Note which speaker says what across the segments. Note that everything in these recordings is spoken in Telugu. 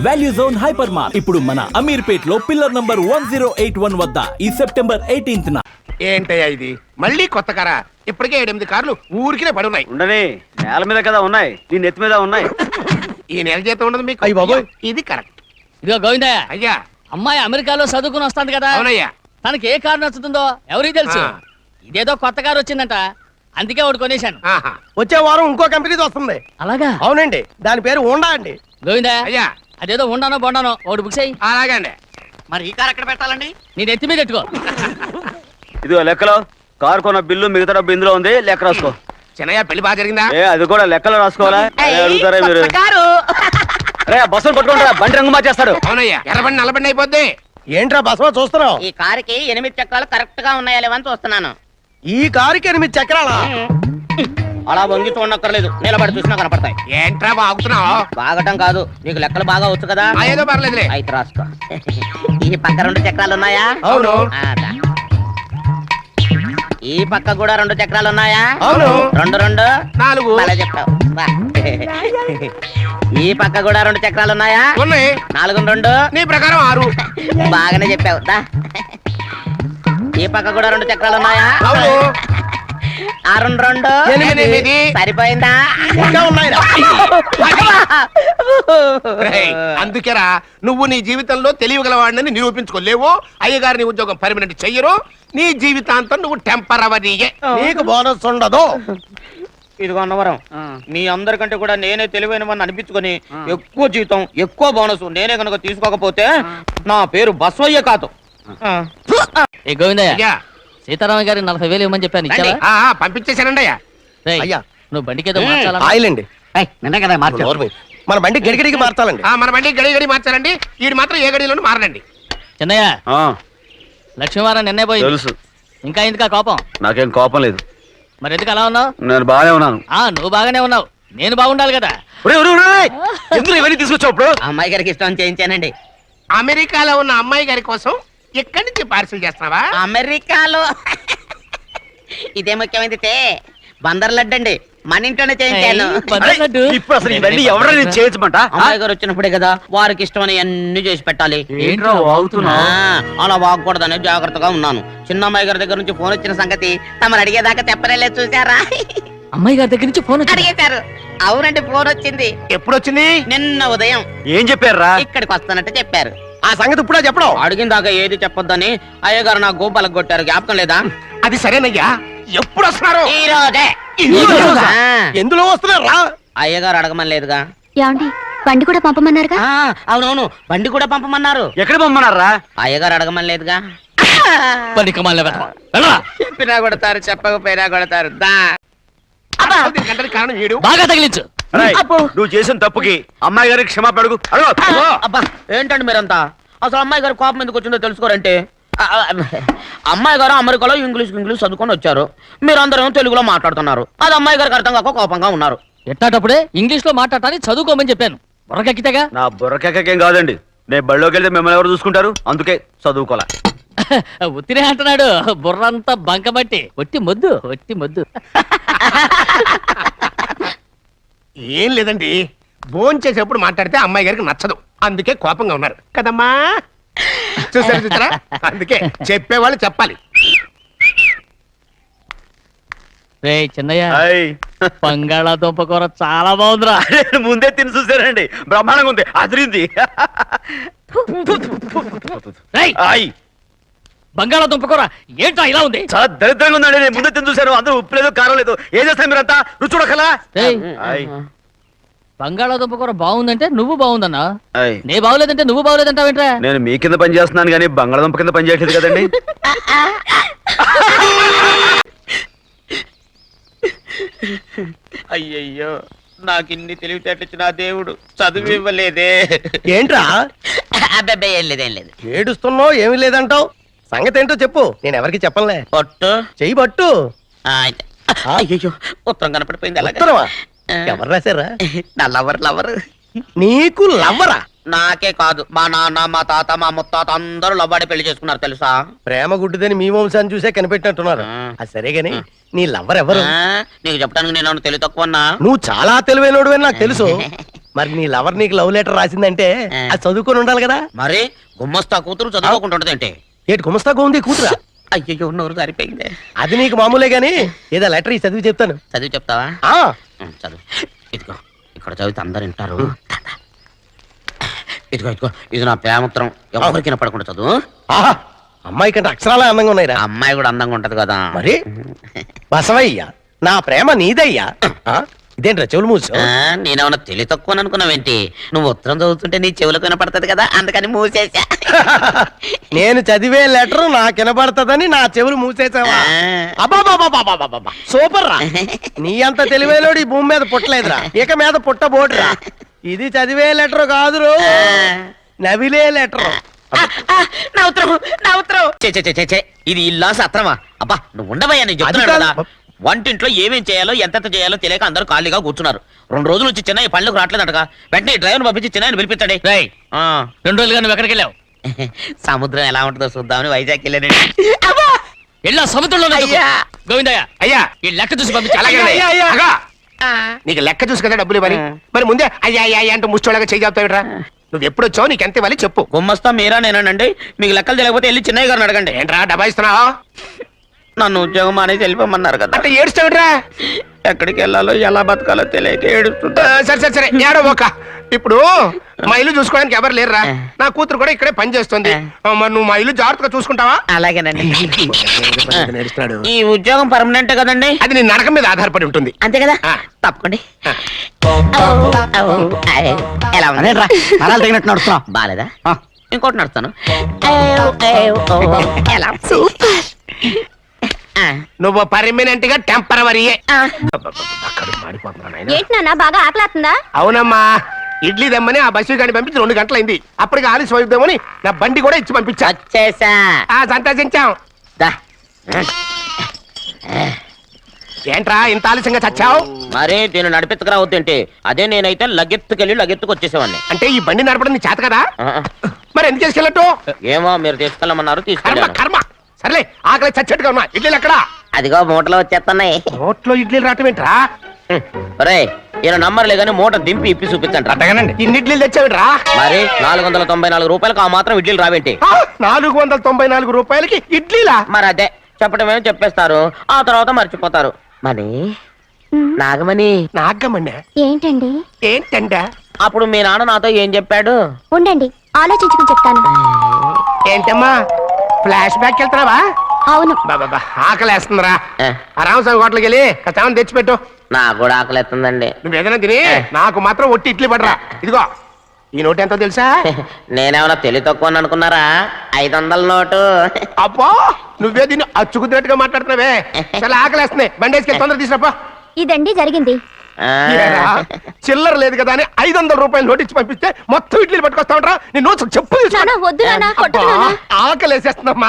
Speaker 1: వాల్యూ జోన్ హైపర్ మార్ట్ ఇప్పుడు మన అమీర్పేట్ లో పిల్లర్ నంబర్ 1081 వద్ద ఈ సెప్టెంబర్ 18th
Speaker 2: ఏంటయ్యా ఇది మళ్ళీ కొత్త కారా? ఇప్పటికే 8 కార్లు ఊరికినే పడున్నాయి.
Speaker 3: ఉండని నేల మీద కదా ఉన్నాయి, నీ నెత్తి మీద ఉన్నాయి.
Speaker 2: ఈ నెల జీతం ఉండదు మీకు.
Speaker 4: అయ్య బాబోయ్,
Speaker 2: ఇది కరెక్ట్.
Speaker 5: ఇదిగో గోవిందయ్య,
Speaker 2: అయ్యా
Speaker 5: అమ్మాయి అమెరికాలో చదువుకుని వస్తాంది కదా.
Speaker 2: అవునయ్యా.
Speaker 5: తనకి ఏ కారు నచ్చుతుందో ఎవరికి తెలుసు. ఇదేదో కొత్త కారు వచ్చిందంట, అందుకే ఒకటి కొనేశాను.
Speaker 2: ఆహా.
Speaker 4: వచ్చే వారం ఇంకో కంపెనీది వస్తుంది.
Speaker 5: అలాగా?
Speaker 4: అవునండి, దాని పేరు హోండా అండి.
Speaker 5: గోవిందయ్య,
Speaker 2: అయ్యా
Speaker 5: అదేదో ఉండానో బొండానో ఒకటి బుక్ చేయి.
Speaker 2: అలాగే అండి.
Speaker 6: మరి ఈ కారు ఎక్కడ పెట్టాలండి?
Speaker 5: నీ నెత్తి మీద పెట్టుకో.
Speaker 3: ఇదిగో లెక్కలో కారు కొన్న బిల్లు మిగతా డబ్బు ఇందులో ఉంది, లెక్క రాసుకో.
Speaker 2: చిన్నయ్య పెళ్లి బాగా జరిగిందా?
Speaker 3: ఏ అది కూడా లెక్కలో రాసుకోవాలా? అదే అడుగుతారా మీరు?
Speaker 6: కారు
Speaker 3: రే బస్సులు పట్టుకుంటారా, బండి రంగు మార్చేస్తాడు.
Speaker 2: అవునయ్యా, ఎర్రబండి నల్లబండి అయిపోద్ది.
Speaker 4: ఏంట్రా బసవా చూస్తున్నావు?
Speaker 6: ఈ కారుకి 8 చక్రాలు కరెక్ట్ గా ఉన్నాయా లేవని చూస్తున్నాను.
Speaker 4: ఈ కారుకి 8 చక్రాలా?
Speaker 6: అలా వంగి చూడక్కర్లేదు, నిలబడి చూసినా కనపడతాయి.
Speaker 2: ఏంట్రా బాగుతున్నావు?
Speaker 6: బాగటం కాదు, నీకు లెక్కలు బాగా వచ్చు కదా.
Speaker 2: ఏదో పర్లేదులే.
Speaker 6: అయితే రాసుకో. ఈ పక్క 2 చక్రాలు ఉన్నాయా?
Speaker 2: అవును.
Speaker 6: ఈ పక్క కూడా 2 చక్రాలు ఉన్నాయా?
Speaker 2: అవును.
Speaker 6: 2 2
Speaker 2: 4.
Speaker 6: అలా చెప్పావు. బా. ఈ పక్క కూడా 2 చక్రాలు ఉన్నాయా?
Speaker 2: ఉన్నాయి.
Speaker 6: 4 2
Speaker 2: నీ ప్రకారం 6.
Speaker 6: బాగానే చెప్పావు. దా. ఈ పక్క కూడా 2 చక్రాలు ఉన్నాయా?
Speaker 2: అవును.
Speaker 6: 6 2
Speaker 2: 8.
Speaker 6: సరిపోయిందా?
Speaker 4: ఇంకా ఉన్నాయిరా.
Speaker 2: రేయ్, అందుకేరా నువ్వు నీ జీవితంలో తెలియగలవాడిని నిరూపించుకోలేవు. అయ్యగారిని ఉద్యోగం పర్మనెంట్ చెయ్యరు. నీ జీవితాంతం నువ్వు టెంపరవరీయే.
Speaker 4: నీకు బోనస్ ఉండదు.
Speaker 6: ఇదిగో అన్నవరం, మీ అందరికంటే కూడా నేనే తెలివైన వాడిని అనిపించుకొని ఎక్కువ జీతం ఎక్కువ బోనస్ నేనే కనుక తీసుకోకపోతే నా పేరు బస్వయ్య కాదు.
Speaker 5: ఏ గోవిందయ్య,
Speaker 2: అయ్యా
Speaker 5: సీతారామ గారి 40,000 ఇవ్వమని చెప్పాను, ఇచ్చావా?
Speaker 2: పంపించేశానండి అయ్యా.
Speaker 5: రేయ్,
Speaker 4: అయ్యా.
Speaker 5: నువ్వు బండికేదో మార్చాలా?
Speaker 4: ఆయిల్ అండి.
Speaker 6: నిన్న కదా
Speaker 4: నోర్మి. మన బండి గడిగడికి మార్చాలండి.
Speaker 2: మన బండి గడి మార్చారండి. వీడు మాత్రం ఏ గడిలోనూ మారనండి.
Speaker 5: చిన్నయ్య,
Speaker 3: ఆ,
Speaker 5: లక్ష్మీవారం నిన్నే పోయింది.
Speaker 3: తెలుసు.
Speaker 5: ఇంకా ఎందుకా కోపం?
Speaker 3: నాకేం కోపం లేదు,
Speaker 5: మరి ఎందుకు అలా ఉన్నావు?
Speaker 3: నేను బాగానే ఉన్నాను.
Speaker 5: నువ్వు బాగానే ఉన్నావు, నేను బాగుండాలి కదా.
Speaker 3: ఎందుకు ఇవన్నీ తీసుకొచ్చావు ఇప్పుడు?
Speaker 6: అమ్మాయి గారికి ఇష్టం చేయించానండి.
Speaker 2: అమెరికాలో ఉన్న అమ్మాయి గారి కోసం ఎక్కడి నుంచి పార్సిల్ చేస్తున్నావా?
Speaker 6: అమెరికాలో ఇదే ముఖ్యమైనది బందర్ లడ్డు అండి, మన ఇంట్లోనే చేయించాను.
Speaker 3: ఇప్పుడు అసలు ఇవన్నీ ఎవరైనా చేయించమంట?
Speaker 6: అమ్మాయి గారు వచ్చినప్పుడే కదా వారికి ఇష్టమని అన్ని చేసి పెట్టాలి.
Speaker 3: ఏంట్రా వాగుతున్నా?
Speaker 6: అలా వాగకూడదని జాగ్రత్తగా ఉన్నాను. చిన్న అమ్మాయి గారి దగ్గర నుంచి ఫోన్ వచ్చిన సంగతి తమరు అడిగేదాకా చెప్పలేదు, చూసారా?
Speaker 5: అమ్మాయి గారి దగ్గర నుంచి ఫోన్ వచ్చింది.
Speaker 6: అడిగేశారు. అవునండి, ఫోన్ వచ్చింది.
Speaker 2: ఎప్పుడు వచ్చింది?
Speaker 6: నిన్న ఉదయం.
Speaker 3: ఏం చెప్పారా?
Speaker 6: ఇక్కడికి వస్తానంటే చెప్పారు.
Speaker 4: ఆ సంగతి ఇప్పుడే చెప్పడం.
Speaker 6: అడిగిన దాకా ఏది చెప్పొద్దని అయ్యగారు నా గోపాలకు కొట్టారు, జ్ఞాపకం లేదా?
Speaker 2: అది సరేనయ్యా, ఎప్పుడు వస్తున్నారు?
Speaker 6: ఈ రోజే.
Speaker 4: ఎందులో వస్తున్నారా?
Speaker 6: అయ్యగారు అడగమని లేదుగా.
Speaker 7: యాండి బండి కూడా పంపమన్నారుగా?
Speaker 6: అవునవును, బండి కూడా పంపమన్నారు.
Speaker 3: ఎక్కడ పంపమన్నారా?
Speaker 6: అయ్యగారు అడగమని లేదుగా. చెప్పినా కొడతారు, చెప్పకపోయినా కొడతారు.
Speaker 2: అసలు దీనికంటే కారణం వీడు.
Speaker 5: బాగా తగిలించు.
Speaker 3: రేయ్, నువ్వు చేసిన తప్పుకి అమ్మాయి గారికి క్షమాపణ అడుగు.
Speaker 6: అబ్బా, ఏంటండి మీరంతా? అసలు అమ్మాయి గారు కోపం ఎందుకు వచ్చిందో తెలుసుకోరంటే, అమ్మాయి గారు అమెరికాలో ఇంగ్లీష్ చదువుకొని వచ్చారు, మీరందరూ తెలుగులో మాట్లాడుతున్నారు. అది అమ్మాయి గారికి అర్థం కాక కోపంగా ఉన్నారు.
Speaker 5: ఎట్టాటప్పుడే ఇంగ్లీష్ లో మాట్లాడటానికి చదువుకోమని చెప్పాను, బుర్రకెక్కితేగా.
Speaker 3: నా బుర్రకేకేం కాదండి, నేను బళ్ళోకి వెళ్తే మిమ్మల్ని ఎవరు చూసుకుంటారు, అందుకే చదువుకోలే.
Speaker 5: ఉత్తినే అంటున్నాడు, బుర్రంతా బంకబట్టి. ఒట్టి మొద్దు, ఒట్టి మొద్దు.
Speaker 2: ఏం లేదండి, భోజనం చేసేప్పుడు మాట్లాడితే అమ్మాయి గారికి నచ్చదు, అందుకే కోపంగా ఉన్నారు కదమ్మా. చూసారా, అందుకే చెప్పేవాళ్ళు చెప్పాలి.
Speaker 5: రే చిన్నయ్య,
Speaker 3: హాయ్.
Speaker 5: బంగాళాదుంప కూర చాలా బాగుందిరా.
Speaker 3: నేను ముందే తిని చూసానండి, బ్రహ్మాండంగా ఉంది, అదిరింది.
Speaker 5: రేయ్,
Speaker 3: హాయ్.
Speaker 5: బంగాళాదుంప కూర ఏంటా ఇలా ఉంది?
Speaker 3: చాలా దరిద్రంగా ఉందండి, నేను ముందే తిని చూశాను, అందరూ ఉప్పు లేదు కారం లేదు. ఏం చేస్తారు మీరంతా? రుచి చూడకలా.
Speaker 5: రేయ్,
Speaker 3: హాయ్.
Speaker 5: బంగాళాదుంప కూర బాగుందంటే నువ్వు బాగుందన్నా,
Speaker 3: హాయ్.
Speaker 5: నే బాగులేదంటే నువ్వు బాగులేదంటావేంట్రా?
Speaker 3: నేను మీ కింద పని చేస్తున్నాను కానీ బంగాళదుంప కింద పని చేయట్లేదు కదండి.
Speaker 6: అయ్యయ్యో, నాకు ఇన్ని తెలివితేటచ్చిన దేవుడు చదువు ఇవ్వలేదే.
Speaker 4: ఏంట్రా
Speaker 6: అబ్బాయి, ఏం లేదు, ఏం లేదు.
Speaker 4: ఏడుస్తున్నావు? ఏమీ లేదంటావు. సంగతి ఏంటో చెప్పు, నేను ఎవరికి చెప్పనులే.
Speaker 6: పట్టు.
Speaker 4: చెయ్యి పట్టు.
Speaker 6: అయ్యో, ఉత్తరం కనపడిపోయింది. అలాగే
Speaker 4: ఉత్తరమా? ఎవరు రాశారా?
Speaker 6: నా లవర్.
Speaker 4: నీకు లవ్వరా?
Speaker 6: నాకే కాదు, మా నాన్న, మా తాత, మా ముత్తాత అందరూ లవ్వాడి పెళ్లి చేసుకున్నారు తెలుసా?
Speaker 4: ప్రేమ గుడ్డిదని మీ వంశాన్ని చూసే కనిపెట్టినట్టున్నారు. అది సరే గాని నీ లవ్వర్ ఎవరు?
Speaker 6: నీకు చెప్పడానికి నేను తెలివి తక్కువన్నా?
Speaker 4: నువ్వు చాలా తెలివైనడు అని నాకు తెలుసు. మరి నీ లవర్ నీకు లవ్ లెటర్ రాసిందంటే అది చదువుకొని ఉండాలి కదా.
Speaker 6: మరి గుమ్మస్తా కూతురు చదువుకుంటుంటది ఏంటి?
Speaker 4: ఏటి గుమస్తాగా ఉంది కూతురా?
Speaker 6: అయ్యో నోరు సరిపోయింది.
Speaker 4: అది నీకు మామూలే గాని ఏదో లెటర్ ఈ చదివి చెప్తాను.
Speaker 6: చదివి చెప్తావా?
Speaker 4: ఆ
Speaker 6: చదువు. ఇదిగో ఇక్కడ చదివితే అందరు వింటారు. ఇదిగో ఇదిగో ఇది నా ప్రేమత్రం, ఎవరికి వినపడకుండా చదువు.
Speaker 4: ఆహా, అమ్మాయి కంటే అక్షరాలే అందంగా ఉన్నాయిరా.
Speaker 6: ఆ అమ్మాయి కూడా అందంగా ఉంటది కదా.
Speaker 4: మరి బసవయ్య నా ప్రేమ నీదయ్యా. ఆ, ఇదేంట్రా చెవులు మూసు?
Speaker 6: నేనేమన్నా తెలివి తక్కువ అనుకున్నావేంటి? నువ్వు ఉత్తరం చదువుతుంటే నీ చెవులకు వినపడుతుంది కదా, అందుకని మూసేసా.
Speaker 4: నేను చదివే లెటర్ నాకు వినబడతదని నా చెవులు మూసేసావా? అబ్బాబాబాబాబాబాబా, సూపర్ రా. నీ అంత తెలివేలోడు ఈ భూమి మీద పుట్టలేదురా, ఇక మీద పుట్టబోడురా. ఇది చదివే లెటర్ కాదురు, నవిలే లెటర్.
Speaker 6: నా ఉత్తరం, నా ఉత్తరం. చే, చే, చే, చే, చే. ఇది ఇల్లా సత్రమా? అబ్బా నువ్వు ఉండవయ్యా, నేను చెప్తున్నాను
Speaker 4: అది
Speaker 6: కదా. వంటింట్లో ఏమేం చేయాలో ఎంతెంత చేయాలో తెలియక అందరూ ఖాళీగా కూర్చున్నారు. 2 రోజుల నుంచి చిన్న పళ్ళకు రావట్లేదటగా. వెంటనే డ్రైవర్ పంపించి చిన్న పిలిపించండి.
Speaker 5: రేయ్ 2 రోజులుగా నువ్వు ఎక్కడికి వెళ్ళావు?
Speaker 6: సముద్రం ఎలా ఉంటుందో చూద్దామని వైజాగ్ వెళ్ళానండి.
Speaker 5: వెళ్ళా సముద్రంలో
Speaker 6: అయ్యా.
Speaker 5: గోవిందయ్య
Speaker 2: అయ్యా
Speaker 5: ఈ లెక్క చూసి పంపించు.
Speaker 2: అలాగే అగా. నీకు లెక్క చూసి కదా డబ్బులు ఇవ్వాలి. మరి ముందే అయ్యా అయ్యా అయ్యా అంటూ ముష్టోళ్ళగా చేయి చెప్తావిట్రా. నువ్వు ఎప్పుడు వచ్చావు, నీకు ఎంత ఇవ్వాలి చెప్పు.
Speaker 6: గుమ్మస్తా మీరా నేనండి. మీకు లెక్కలు తెలియకపోతే వెళ్ళి చిన్నయ్య గారిని అడగండి.
Speaker 2: ఏంట్రా డబ్బా ఇస్తున్నావు?
Speaker 6: నన్ను ఉద్యోగం అనేది వెళ్ళిపోమన్నారు కదా.
Speaker 2: అంటే ఏడుస్తావిట్రా.
Speaker 6: ఎక్కడికి వెళ్ళాలో ఎలా బతకాలో తెలియక ఏడుస్తుంటా.
Speaker 2: సరే సరే సరే ఏడో ఒక. ఇప్పుడు మా ఇల్లు చూసుకోవడానికి ఎవరు లేరురా. నా కూతురు కూడా ఇక్కడే పని చేస్తుంది. మరి నువ్వు మా ఇల్లు జాగ్రత్తగా చూసుకుంటావా?
Speaker 6: అలాగేనండి.
Speaker 2: నేర్చున్నాడు.
Speaker 6: ఈ ఉద్యోగం పర్మనెంట్ కదండి?
Speaker 2: అది నీ నరకం మీద ఆధారపడి ఉంటుంది.
Speaker 6: అంతే కదా.
Speaker 2: ఆ.
Speaker 6: తప్పకండి. ఎలా ఉంది?
Speaker 4: తగినట్టు నడుస్తున్నా.
Speaker 6: బాలేదా? ఇంకోటి నడుస్తాను. ఎలా?
Speaker 2: నువ్వు పర్మనెంట్ గా టెంపరవరీయే.
Speaker 7: ఏంటి నాన్న బాగా ఆకలాతుందా?
Speaker 2: అవునమ్మా, ఇడ్లీ దమ్మని ఆ బస్సు గాని పంపించి 2 గంటలైంది. అప్పటికి ఆలస్యం అవుతామని నా బండి కూడా ఇచ్చి పంపించా.
Speaker 6: వచ్చేసా.
Speaker 2: సంతోషించాం.
Speaker 6: దా.
Speaker 2: ఏంట్రా ఇంత ఆలస్యంగా చచ్చావు?
Speaker 6: మరి దీన్ని నడిపెత్తుకురావద్దేంటి? అదే నేనైతే లగెత్తుకెళ్ళి లగెత్తుకు వచ్చేసేవాడిని.
Speaker 2: అంటే ఈ బండి నడపడం నీ చేత కదా?
Speaker 6: ఆ.
Speaker 2: మరి ఎందుకు చేసుకెళ్ళట్టు?
Speaker 6: ఏమో మీరు తీసుకెళ్ళమన్నారు,
Speaker 2: కర్మ
Speaker 6: తీసుకెళ్ళాను.
Speaker 2: కర్మ. సర్లే ఆకలి చచ్చేట్టుగా ఉన్నా. ఇడ్లీలు ఎక్కడా?
Speaker 6: అదిగో మూటలో వచ్చేస్తున్నాయి.
Speaker 2: నోట్లో ఇడ్లీలు రావటం ఏంట్రా?
Speaker 6: రే ఈయన నంబర్లే కానీ మూట దింపి ఇప్పి చూపించండి.
Speaker 2: అట్టగానండి. ఇన్ని ఇడ్లీలు తెచ్చావిడ్రా?
Speaker 6: మరి 494 రూపాయలకు ఆ మాత్రం ఇడ్లీలు రావేంటి?
Speaker 2: 494 రూపాయలకి ఇడ్లీలా?
Speaker 6: మరి అదే చెప్పడమేమో చెప్పేస్తారు, ఆ తర్వాత మర్చిపోతారు. మరి నాగమణి
Speaker 2: నాగమ్మన్నా
Speaker 7: ఏంటండి?
Speaker 2: ఏంటంట?
Speaker 6: అప్పుడు మీ నాన్న నాతో ఏం చెప్పాడు?
Speaker 7: ఉండండి ఆలోచించుకుని చెప్తాను.
Speaker 2: ఏంటమ్మా ఫ్లాష్ బ్యాక్ వెళ్తున్నావా?
Speaker 7: అవును.
Speaker 2: బాబా ఆకలేస్తుందిరా.
Speaker 6: ఏ.
Speaker 2: ఆ రామస్వామి హోటల్కి వెళ్ళి కచ్చామని తెచ్చిపెట్టు.
Speaker 6: నాకు కూడా ఆకలిస్తుందండి.
Speaker 2: నువ్వు ఏదైనా తిని నాకు మాత్రం ఒట్టి ఇడ్లీ పడరా. ఇదిగో ఈ నోటు ఎంతో తెలుసా?
Speaker 6: నేనేమన్నా తెలివి తక్కువ అనుకున్నారా? 500 నోటు.
Speaker 2: అబ్బో నువ్వే దీన్ని అచ్చుకుతున్నట్టుగా మాట్లాడుతున్నావే. చాలా ఆకలేస్తున్నాయి. బండేసుకెళ్ళి తొందర తీసుకురాపో.
Speaker 7: ఇదండి జరిగింది.
Speaker 6: ఆ.
Speaker 2: ఏరా, చిల్లర లేదు కదా అని 500 రూపాయలు నోటు ఇచ్చి పంపిస్తే మొత్తం ఇడ్లీలు పట్టుకొస్తా ఉంటా. నీ నోట్స్ చెప్పు
Speaker 7: నాన్న వద్దు నాన్న, కొట్టకు
Speaker 2: అబ్బా,
Speaker 7: నాన్న.
Speaker 2: ఆకలేసేస్తుందమ్మా.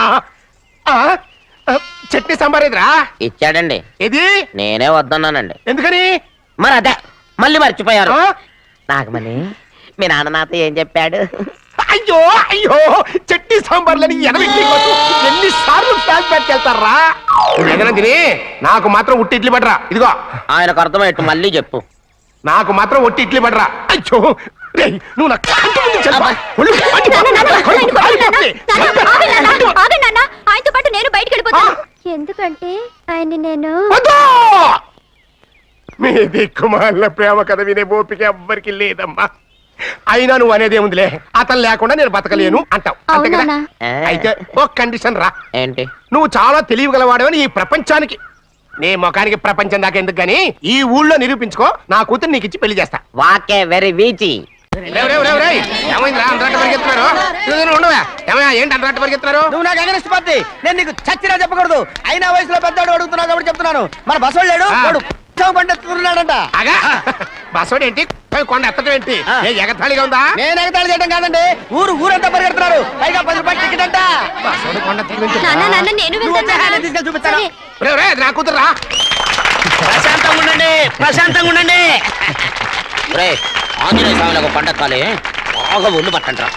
Speaker 2: చట్నీ సాంబార్ ఎదురా
Speaker 6: ఇచ్చాడండి.
Speaker 2: ఇది
Speaker 6: నేనే వద్దన్నానండి.
Speaker 2: ఎందుకని?
Speaker 6: మరి అదే మళ్ళీ మర్చిపోయారు.
Speaker 2: ఆ?
Speaker 6: నాగమణి మీ నాన్న నాతో ఏం చెప్పాడు?
Speaker 2: అయ్యో అయ్యో చట్నీ సాంబార్లని ఎన్నిసార్లు ప్యాక్ పెట్టుకెళ్తారా? ఏదైనా తిని నాకు మాత్రం ఉట్టి ఇడ్లీ పడరా. ఇదిగో
Speaker 6: ఆయనకు అర్థమయ్యట్టు మళ్ళీ చెప్పు.
Speaker 2: నాకు మాత్రం ఒట్టి ఇడ్లీ పడరా. అయ్యో రేయ్, నువ్వు నా కంటి ముందు చెప్పా. ఒళ్ళు మండిపోతుంది. కళ్ళు కాలిపోతుంది.
Speaker 7: ఆగండి నాన్న, ఆయనతో పాటు నేను బయటికి వెళ్ళిపోతాను. ఎందుకంటే ఆయన నేను
Speaker 2: వద్దు! మీ దిక్కుమాల ప్రేమ కథ వినే ఓపిక ఎవ్వరికి లేదమ్మా. అయినా నువ్వు అనేది ఏముందిలే, అతను లేకుండా నేను బతకలేను అంటావు అంతే కదా?
Speaker 7: అవునా?
Speaker 2: అయితే ఒక కండిషన్ రా.
Speaker 6: ఏంటి?
Speaker 2: నువ్వు చాలా తెలియగలవాడవని ఈ ప్రపంచానికి, నీ ముఖానికి ప్రపంచం దాకా ఎందుకు గానీ ఈ ఊళ్ళో నిరూపించుకో. నా కూతురు నీకు ఇచ్చి పెళ్లి చేస్తా.
Speaker 6: వాకే వెరీ వీచి.
Speaker 2: ఏమైందిరా అంతరాట పరిగెత్తున్నారు? ఉండవా ఏమయ్యా, ఏంటి అంతరాట పరిగెత్తున్నారు?
Speaker 4: నువ్వు నాకు అగనిస్ట్ పార్టీ, నేను నీకు చచ్చినా చెప్పకూడదు. అయినా వయసులో పెద్దవాడు అడుగుతున్నావు కాబట్టి చెప్తున్నాను. మన బసోడు లేడు, వాడు పండిస్తున్నాడంట.
Speaker 2: అగా బసోడు ఏంటి, కొండ ఎత్తడం ఏంటి? ఏ ఎగతాళిగా ఉందా?
Speaker 4: నేను ఎగతాళి చేయడం కాదండి, ఊరంతా పరిగెడుతున్నారు. పైగా 10 రూపాయలు టికెట్ అంట.
Speaker 2: బసోడు కొండ ఎత్తడం
Speaker 7: నాన్న నాన్న నేను
Speaker 4: నువ్వు వచ్చే హ్యాండ్
Speaker 7: వెళ్తాను.
Speaker 4: తీసుకెళ్ళి చూపిస్తాను.
Speaker 7: సరే.
Speaker 2: నా కూతురు రా.
Speaker 6: ప్రశాంతంగా ఉండండి, ప్రశాంతంగా ఉండండి. రే ఆంజనేయ స్వామిలకు పండక్కాలి, బాగా ఒళ్ళు పట్టంట్రా.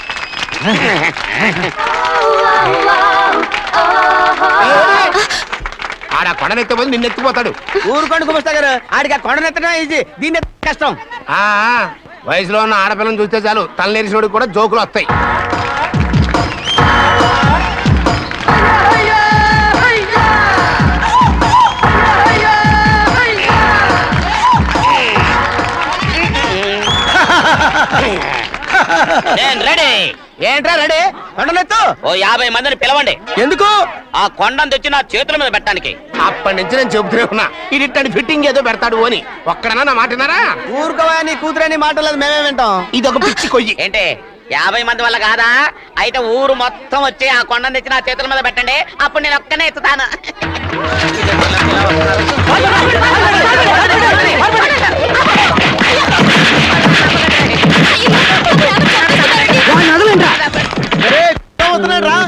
Speaker 2: ఆడ కొండనెత్తిపోతే నిన్నెత్తిపోతాడు.
Speaker 4: ఊరుకోండి కుమస్తా గారు, ఆడికి ఆ కొండనెత్తడం ఈజీ, దీన్ని ఎత్తడం కష్టం.
Speaker 2: ఆ వయసులో ఉన్న ఆడపిల్లని చూస్తే చాలు తలనేరిసినోడికి కూడా జోకులు వస్తాయి.
Speaker 6: నేను రెడీ.
Speaker 4: ఏంట్రా రెడీ? కొండలెత్తు.
Speaker 6: ఓ 50 మందిని పిలవండి.
Speaker 4: ఎందుకు?
Speaker 6: ఆ కొండను తెచ్చి నా చేతుల మీద పెట్టడానికి.
Speaker 2: అప్పటి నుంచి నేను చెబుతూనే ఉన్నా ఇది ఫిట్టింగ్ ఏదో పెడతాడు అని. ఒక్కడనా నా మాట విన్నారా?
Speaker 4: ఊరుకోవా, నీ కూతురని మాటలేదు మేమే వింటాం.
Speaker 2: ఇది ఒక పిచ్చి కొయ్యి.
Speaker 6: ఏంటి 50 మంది వల్ల కాదా? అయితే ఊరు మొత్తం వచ్చి ఆ కొండను తెచ్చి నా చేతుల మీద పెట్టండి. అప్పుడు నేను ఒక్కనే ఎత్తుతాను.
Speaker 4: రా.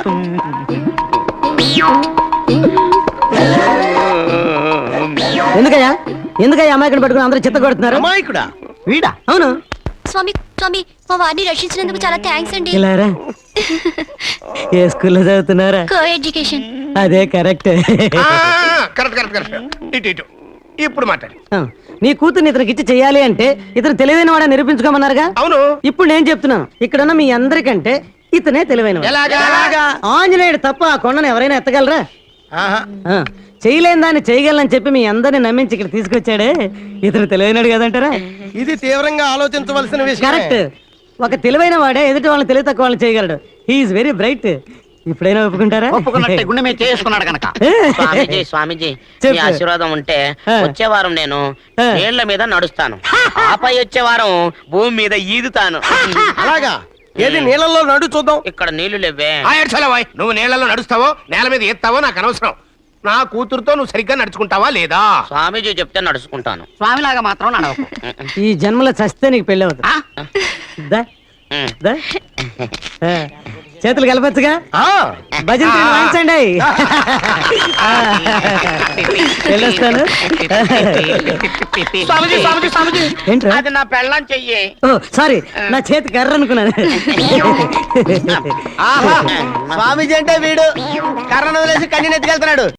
Speaker 8: ఎందుకయ్యా అమాయకుని పట్టుకుని అందరూ చిత్త కొడుతున్నారు?
Speaker 4: అమాయకుడా?
Speaker 8: వీడా? అవును.
Speaker 7: స్వామి స్వామి మా వారిని రక్షించినందుకు చాలా థ్యాంక్స్ అండి.
Speaker 8: ఇలారా ఏ స్కూల్లో చదువుతున్నారా?
Speaker 7: Co education.
Speaker 8: అదే కరెక్ట్.
Speaker 2: Correct correct correct. ఇటు ఇప్పుడు మాట్లాడు.
Speaker 8: నీ కూతుర్ని ఇతనికి ఇచ్చి చెయ్యాలి అంటే ఇతను తెలివైన వాడని నిరూపించుకోమన్నారుగా.
Speaker 2: అవును.
Speaker 8: ఇప్పుడు నేను చెప్తున్నాను, ఇక్కడున్న మీ అందరికంటే ఇతనే తెలివైన
Speaker 2: ఎలాగా?
Speaker 8: ఆంజనేయుడు తప్ప ఆ కొండను ఎవరైనా ఎత్తగలరా? ఆ, చేయలేని దాన్ని చేయగలనని చెప్పి మీ అందరిని నమ్మించి ఇక్కడ తీసుకొచ్చాడే ఇతను తెలివైనడు కదంటారా?
Speaker 4: ఇది తీవ్రంగా ఆలోచించవలసిన విషయం.
Speaker 8: కరెక్ట్. ఒక తెలివైన వాడే ఎదుటి వాళ్ళని తెలివి తక్కువ వాళ్ళని చేయగలడు. He's very bright. ఇప్పుడైనా ఒప్పుకుంటారా?
Speaker 6: ఒప్పుకున్నట్టే గుండె మీద చేసుకున్నాడు కనుక. స్వామీజీ
Speaker 8: చెప్పు.
Speaker 6: మీ ఆశీర్వాదం ఉంటే
Speaker 8: ఆ.
Speaker 6: వచ్చే వారం నేను
Speaker 8: ఆ.
Speaker 6: నీళ్ల మీద నడుస్తాను. ఆపై వచ్చే వారం భూమి మీద ఈదుతాను.
Speaker 4: అలాగా? ఏది నీళ్ళల్లో నడు చూద్దాం.
Speaker 6: ఇక్కడ నీళ్లు లేవే.
Speaker 2: ఏడ్చలేవాయ్. నువ్వు నీళ్లలో నడుస్తావో నేల మీద ఎత్తావో నాకు అనవసరం. నా కూతురుతో నువ్వు సరిగ్గా నడుచుకుంటావా లేదా?
Speaker 6: స్వామీజీ చెప్తే నడుచుకుంటాను.
Speaker 5: స్వామిలాగా మాత్రం నడవకు.
Speaker 8: ఈ జన్మలో చస్తే నీకు పెళ్ళి అవుతుంది. దా, దా. ఆ, చేతులు కలపచ్చుగా. భజన తీరు వాయించండి. వెళ్ళొస్తాను.
Speaker 6: స్వామీజీ
Speaker 8: ఏంట్రా?
Speaker 6: అది నా పెళ్ళం చెయ్యి.
Speaker 8: ఓ సారీ, నా చేతి కర్ర అనుకున్నాను.
Speaker 4: స్వామీజీ అంటే వీడు కర్రను వదిలేసి కన్నీ ఎత్తుకెళ్తున్నాడు.